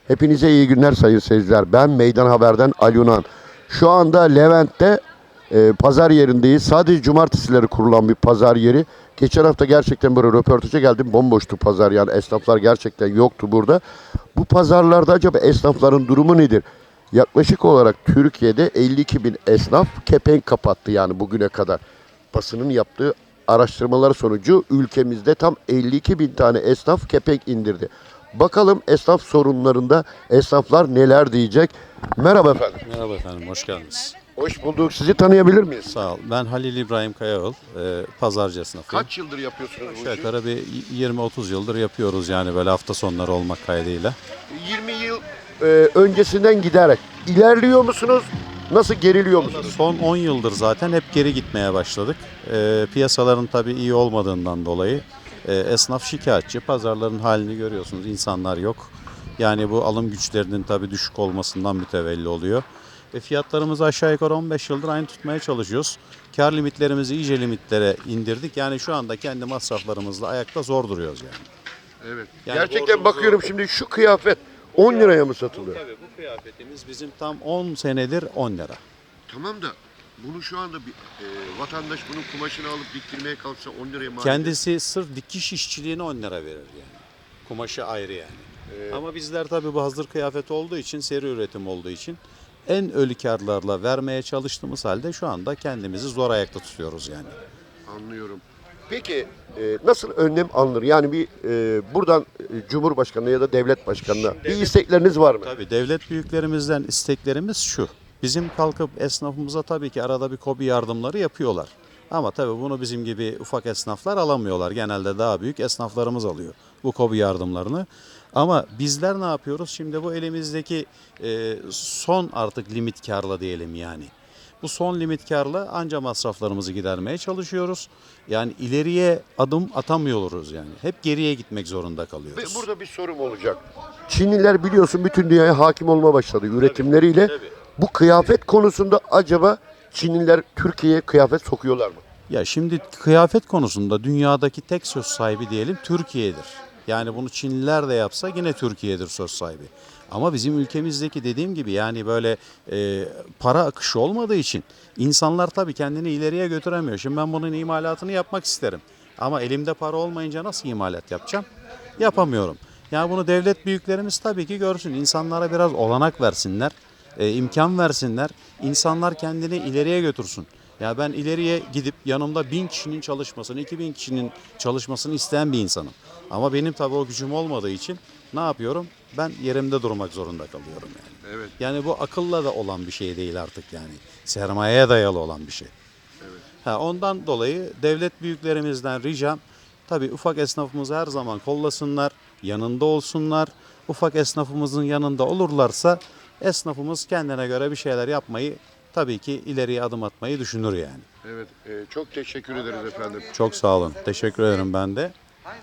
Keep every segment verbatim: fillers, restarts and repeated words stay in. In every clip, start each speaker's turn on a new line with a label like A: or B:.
A: Hepinize iyi günler sayın seyirciler. Ben Meydan Haber'den Ali Yunan. Şu anda Levent'te e, pazar yerindeyiz. Sadece cumartesileri kurulan bir pazar yeri. Geçen hafta gerçekten böyle röportaja geldim. Bomboştu pazar, yani esnaflar gerçekten yoktu burada. Bu pazarlarda acaba esnafların durumu nedir? Yaklaşık olarak Türkiye'de elli iki bin esnaf kepenk kapattı yani bugüne kadar. Basının yaptığı araştırmalar sonucu ülkemizde tam elli iki bin tane esnaf kepenk indirdi. Bakalım esnaf sorunlarında esnaflar neler diyecek? Merhaba efendim.
B: Merhaba efendim, hoş geldiniz.
A: Hoş bulduk. Sizi tanıyabilir miyiz?
B: Sağ ol. Ben Halil İbrahim Kayaoğlu, e, pazarcı esnafıyım.
A: Kaç yıldır yapıyorsunuz bu
B: Aşağı
A: işi?
B: yukarı bir yirmi otuz yıldır yapıyoruz yani böyle hafta sonları olmak kaydıyla.
A: yirmi yıl e, öncesinden giderek ilerliyor musunuz? Nasıl geriliyor musunuz?
B: Son on yıldır zaten hep geri gitmeye başladık. E, piyasaların tabii iyi olmadığından dolayı e, esnaf şikayetçi. Pazarların halini görüyorsunuz, insanlar yok. Yani bu alım güçlerinin tabii düşük olmasından mütevelli oluyor. Ve fiyatlarımızı aşağı yukarı on beş yıldır aynı tutmaya çalışıyoruz. Kar limitlerimizi iyice limitlere indirdik. Yani şu anda kendi masraflarımızla ayakta zor duruyoruz yani.
A: Evet.
B: Yani
A: Gerçekten
B: borcumuzu-
A: bakıyorum şimdi şu kıyafet on liraya mı satılıyor?
B: Tabii bu kıyafetimiz bizim tam on senedir on lira.
A: Tamam da bunu şu anda bir e, vatandaş bunun kumaşını alıp diktirmeye kalksa on liraya mal
B: Kendisi sırf dikiş işçiliğine on lira verir yani. Kumaşı ayrı yani. Ama bizler tabii bu hazır kıyafet olduğu için, seri üretim olduğu için en ölü karlarla vermeye çalıştığımız halde şu anda kendimizi zor ayakta tutuyoruz yani.
A: Anlıyorum. Peki e, nasıl önlem alınır? Yani bir e, buradan e, Cumhurbaşkanı ya da devlet başkanına bir istekleriniz var mı?
B: Tabii devlet büyüklerimizden isteklerimiz şu. Bizim kalkıp esnafımıza tabii ki arada bir KOBİ yardımları yapıyorlar. Ama tabii bunu bizim gibi ufak esnaflar alamıyorlar. Genelde daha büyük esnaflarımız alıyor bu KOBİ yardımlarını. Ama bizler ne yapıyoruz? Şimdi bu elimizdeki e, son artık limit karla diyelim yani. Bu son limit karla anca masraflarımızı gidermeye çalışıyoruz. Yani ileriye adım atamıyoruz yani. Hep geriye gitmek zorunda
A: Ve
B: kalıyoruz.
A: burada bir sorum olacak. Çinliler biliyorsun bütün dünyaya hakim olma başladı üretimleriyle.
B: tabii.
A: Bu kıyafet konusunda acaba Çinliler Türkiye'ye kıyafet sokuyorlar mı?
B: Ya şimdi kıyafet konusunda dünyadaki tek söz sahibi diyelim Türkiye'dir. Yani bunu Çinliler de yapsa yine Türkiye'dir söz sahibi. Ama bizim ülkemizdeki dediğim gibi yani böyle e, para akışı olmadığı için insanlar tabii kendini ileriye götüremiyor. Şimdi ben bunun imalatını yapmak isterim. Ama elimde para olmayınca nasıl imalat yapacağım? Yapamıyorum. Yani bunu devlet büyüklerimiz tabii ki görsün. İnsanlara biraz olanak versinler, e, imkan versinler. İnsanlar kendini ileriye götürsün. Ya ben ileriye gidip yanımda bin kişinin çalışmasını, iki bin kişinin çalışmasını isteyen bir insanım. Ama benim tabii o gücüm olmadığı için ne yapıyorum? Ben yerimde durmak zorunda kalıyorum yani.
A: Evet.
B: Yani bu akılla da olan bir şey değil artık yani. Sermayeye dayalı olan bir şey.
A: Evet.
B: Ha, ondan dolayı devlet büyüklerimizden ricam tabii ufak esnafımızı her zaman kollasınlar, yanında olsunlar. Ufak esnafımızın yanında olurlarsa esnafımız kendine göre bir şeyler yapmayı tabii ki ileriye adım atmayı düşünür yani.
A: Evet. e, çok teşekkür ederiz efendim.
B: Çok sağ olun. Teşekkür ederim ben de.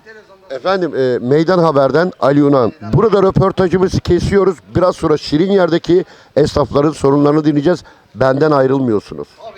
A: Efendim e, Meydan Haber'den Ali Yunan. Burada röportajımızı kesiyoruz. Biraz sonra Şirin Yer'deki esnafların sorunlarını dinleyeceğiz. Benden ayrılmıyorsunuz.